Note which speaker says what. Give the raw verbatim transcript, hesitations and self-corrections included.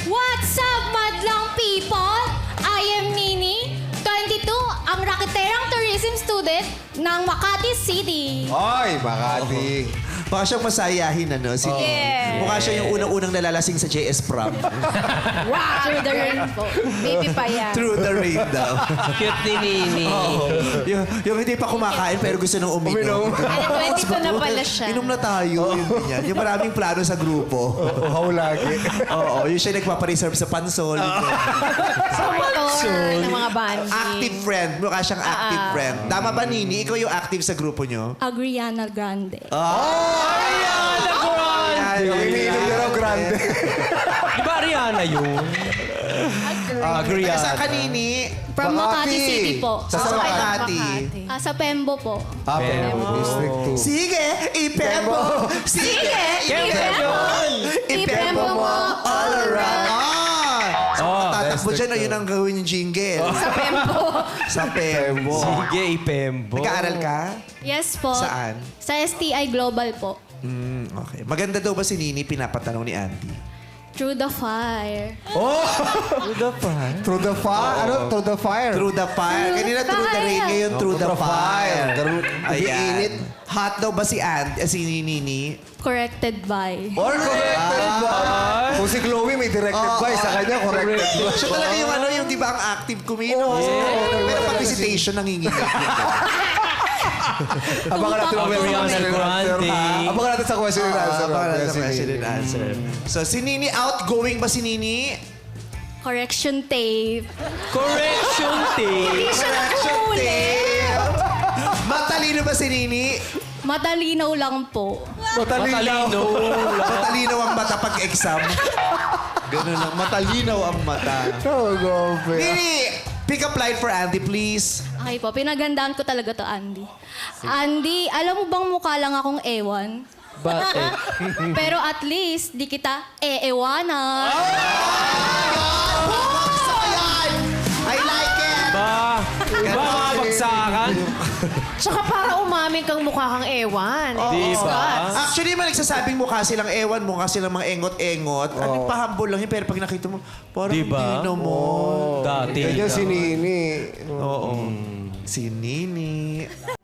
Speaker 1: What's up, madlang people? I am Nini, twenty-two, ang rakiterang tourism student ng Makati City.
Speaker 2: Ay, Makati.
Speaker 3: Baka siyang masayahin, ano? Si
Speaker 1: Yeah.
Speaker 3: Mukha siya yung unang-unang nalalasing sa J S Prom.
Speaker 1: Wow! Through the rain po. Baby pa yan.
Speaker 3: Through the rain daw.
Speaker 4: Cute ni Nini.
Speaker 3: Oo. yung, yung hindi pa kumakain pero gusto nang uminom.
Speaker 1: Ano, twenty-two na pala siya.
Speaker 3: Inom na tayo. Yun, ganyan. Yung maraming plano sa grupo.
Speaker 2: Uhaw lagi.
Speaker 3: Oo, yun siya nagpapareserve sa pansol.
Speaker 1: Sa motor ng mga bandi.
Speaker 3: Active friend. Mukha siyang active
Speaker 1: Ah.
Speaker 3: friend. Tama ba, Nini? Ikaw yung active sa grupo nyo?
Speaker 1: Agriana Grande.
Speaker 4: Ariana Grande!
Speaker 2: Yung iniinom niya raw grande.
Speaker 4: Di ba Ariana yun?
Speaker 3: Kaya sa kanini?
Speaker 1: From Makati City po.
Speaker 3: Sa
Speaker 1: Ah,
Speaker 3: Makati.
Speaker 1: Ah, sa Pembo po.
Speaker 2: Ah, pero District two.
Speaker 3: Sige, ipembo! Sige, ipembo! Ipembo mo all around! Ah! So,
Speaker 4: Oh,
Speaker 3: tatakbo dyan, oh, yun ang gawin yung jingle.
Speaker 1: Sa Pembo.
Speaker 3: Sa Pembo.
Speaker 4: Sige, ipembo.
Speaker 3: Nag-aaral ka?
Speaker 1: Yes po.
Speaker 3: Saan?
Speaker 1: Sa S T I Global po.
Speaker 3: Mm, okay. Maganda daw ba si Nini? Pinapatanong ni Andy.
Speaker 1: Through the fire.
Speaker 4: Through the fire.
Speaker 2: Through the fire. Ano? Through the fire.
Speaker 3: Through the fire. Kanina through the rain, ngayon through the fire.
Speaker 2: Through-
Speaker 3: Ayan.
Speaker 2: init.
Speaker 3: Hot daw ba si Andy? Eh, si Nini?
Speaker 1: Corrected by.
Speaker 3: Or
Speaker 2: Corrected by. Kung si Chloe may directed
Speaker 3: Oo,
Speaker 2: by,
Speaker 3: oo.
Speaker 2: sa kanya corrected by.
Speaker 3: Siya talaga yung ano, yung di ba ang active kumino. Pero pag visitation, nanginginig.
Speaker 2: Abangan natin ang
Speaker 4: Ariana
Speaker 2: question and answer.
Speaker 4: Grande.
Speaker 2: ha? Abangan natin sa question and answer.
Speaker 3: Ah, para
Speaker 2: mamaya,
Speaker 3: sa
Speaker 2: si
Speaker 3: question
Speaker 2: Nini.
Speaker 3: and answer. So, si Nini, outgoing ba si Nini?
Speaker 1: Correction tape.
Speaker 4: Correction tape.
Speaker 3: Correction tape. Matalino ba si Nini?
Speaker 1: Matalinaw lang po.
Speaker 2: Matalino.
Speaker 4: Matalino.
Speaker 3: Matalino ang mata pag exam. Ganun lang. Matalinaw ang mata.
Speaker 2: Oh, gobe.
Speaker 3: Nini, pick up line for Andy, please.
Speaker 1: Okay po, pinagandaan ko talaga to, Andy. Andy, alam mo bang mukha lang akong ewan?
Speaker 4: Bakit?
Speaker 1: Pero at least, di kita e-ewanan.
Speaker 3: Gusto ko yan! I like it!
Speaker 4: Ba? Ba mga bagsakan?
Speaker 5: Tsaka para umamin kang mukha kang ewan.
Speaker 4: Di ba?
Speaker 3: Actually, man nagsasabing mukha silang ewan, mukha silang mga engot-engot. Ano, pahambol lang yun. Pero pag nakita mo, parang
Speaker 4: Di ba?
Speaker 3: hindi mo.
Speaker 4: Dati.
Speaker 2: Ganyan si Nini.
Speaker 3: Oo. Si Nini.